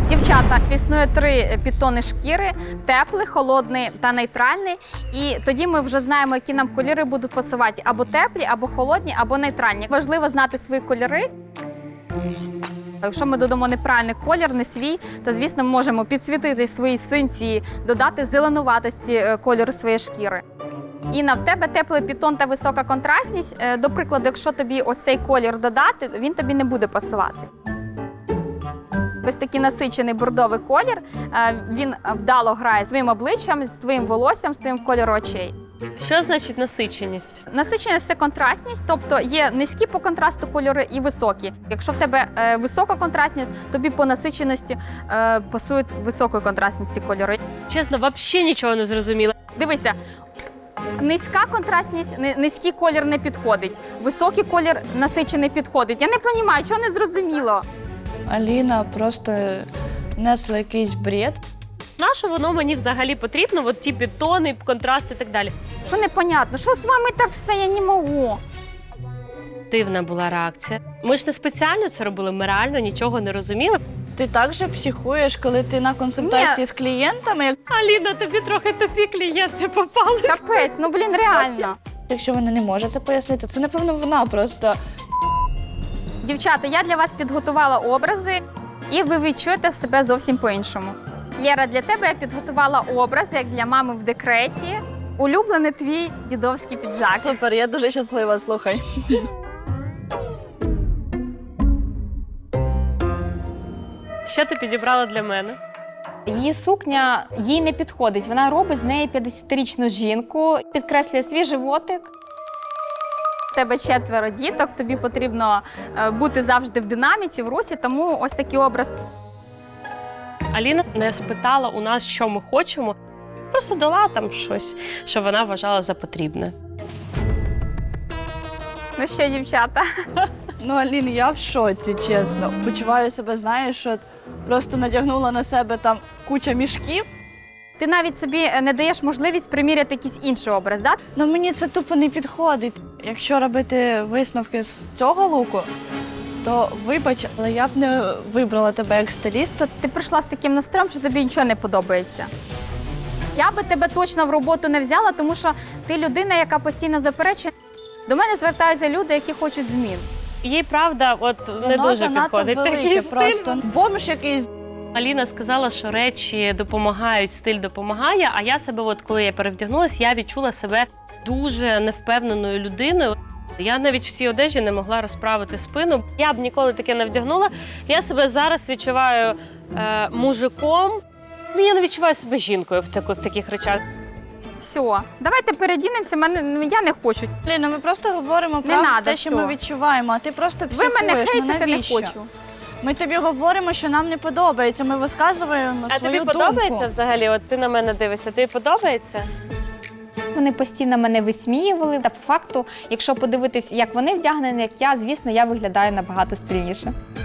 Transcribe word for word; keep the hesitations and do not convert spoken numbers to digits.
Дівчата, існує три підтони шкіри: теплий, холодний та нейтральний. І тоді ми вже знаємо, які нам кольори будуть пасувати: або теплі, або холодні, або нейтральні. Важливо знати свої кольори. Якщо ми додамо неправильний колір, не свій, то, звісно, ми можемо підсвітити свої синці, додати зеленуватості кольору своєї шкіри. Інна, в тебе теплий підтон та висока контрастність. До прикладу, якщо тобі ось цей колір додати, він тобі не буде пасувати. Ось такий насичений бордовий колір, він вдало грає з твоїм обличчям, з твоїм волоссям, з твоїм кольором очей. Що значить насиченість? Насиченість – це контрастність, тобто є низькі по контрасту кольори і високі. Якщо в тебе е, висока контрастність, тобі по насиченості е, пасують високої контрастності кольори. Чесно, взагалі нічого не зрозуміла. Дивися, низька контрастність, низький колір не підходить, високий колір насичений підходить. Я не розумію, чого не зрозуміло. Аліна просто несла якийсь бред. На що воно мені взагалі потрібно? От ті підтони, контрасти і так далі. Що непонятно? Що з вами так все? Я не можу. Дивна була реакція. Ми ж не спеціально це робили, ми реально нічого не розуміли. Ти так же психуєш, коли ти на консультації Ні. з клієнтами, як... Аліна, тобі трохи тупі клієнти попали. Капець, ну блін, реально. якщо вона не може це пояснити, це, напевно, вона просто... Дівчата, я для вас підготувала образи, і ви відчуєте себе зовсім по-іншому. Лєра, для тебе я підготувала образ, як для мами в декреті. Улюблений твій дідовський піджак. Супер, я дуже щаслива, слухай. Що ти підібрала для мене? Її сукня їй не підходить. Вона робить з неї п'ятдесятирічну жінку, підкреслює свій животик. У тебе четверо діток, тобі потрібно бути завжди в динаміці, в русі, тому ось такий образ. Аліна не спитала у нас, що ми хочемо, просто дала там щось, що вона вважала за потрібне. Ну що, дівчата? Ну, Алін, я в шоці, чесно. Почуваю себе, знаєш, що просто надягнула на себе там куча мішків. Ти навіть собі не даєш можливість приміряти якийсь інший образ, так? Ну, мені це тупо не підходить. Якщо робити висновки з цього луку, то вибач, але я б не вибрала тебе як стиліста. Ти прийшла з таким настроєм, що тобі нічого не подобається. Я би тебе точно в роботу не взяла, тому що ти людина, яка постійно заперечує. До мене звертаються люди, які хочуть змін. Їй, правда, от не Воно дуже занадто підходить велике, такий стиль. просто бомж якийсь. Аліна сказала, що речі допомагають, стиль допомагає, а я себе, от коли я перевдягнулася, я відчула себе дуже невпевненою людиною. Я навіть в цій одежі не могла розправити спину. Я б ніколи таке не вдягнула. Я себе зараз відчуваю е, мужиком. Ну, я не відчуваю себе жінкою в, таку, в таких речах. Все, давайте передінемося, мене, я не хочу. Ліна, ми просто говоримо Не правду, надо те, що цього. ми відчуваємо, а ти просто Ви психуєш. мене Ну, хейтите, не навіщо? хочу. Ми тобі говоримо, що нам не подобається, ми висказуємо А свою тобі думку. подобається взагалі? От ти на мене дивишся, тобі подобається? Вони постійно мене висміювали. Та по факту, якщо подивитись, як вони вдягнені, як я, звісно, я виглядаю набагато стильніше.